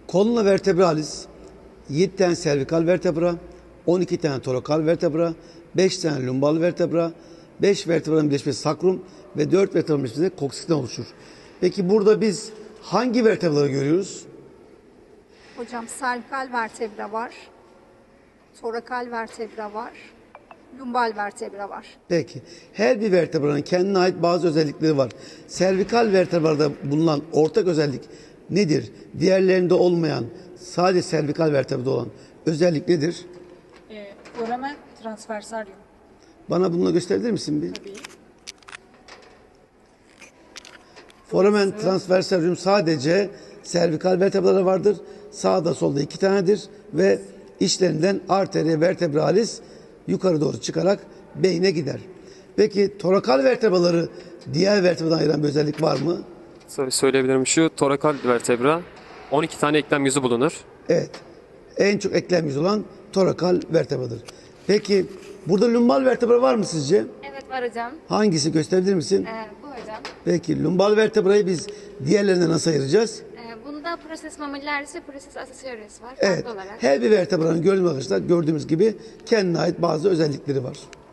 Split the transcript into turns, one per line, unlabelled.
Columna vertebralis 7 tane servikal vertebra, 12 tane torakal vertebra, 5 tane lumbal vertebra, 5 vertebranın birleşmesi sakrum ve 4 vertebranın birleşmesi koksikten oluşur. Peki burada biz hangi vertebraları görüyoruz?
Hocam servikal vertebra var, torakal vertebra var, lumbal vertebra var.
Peki. Her bir vertebranın kendine ait bazı özellikleri var. Servikal vertebrada bulunan ortak özellik nedir? Diğerlerinde olmayan, sadece servikal vertebrada olan özellik nedir?
Foramen transversaryum.
Bana bunu gösterebilir misin bir?
Tabii.
Foramen transversaryum sadece servikal vertebrada vardır. Sağda solda 2 tanedir ve içlerinden arteria vertebralis yukarı doğru çıkarak beyne gider. Peki torakal vertebraları diğer vertebradan ayıran bir özellik var mı?
Söyleyebilirim, şu torakal vertebra 12 tane eklem yüzü bulunur.
Evet. En çok eklem yüzü olan torakal vertebradır. Peki burada lumbal vertebra var mı sizce?
Evet var hocam.
Hangisi gösterebilir misin?
Bu hocam.
Peki lumbal vertebrayı biz diğerlerinden nasıl ayıracağız?
Bunda proses mamillaris ve proses accessoris var.
Evet.
Farklı olarak.
Her bir vertebranın gördüğümüz gibi kendine ait bazı özellikleri var.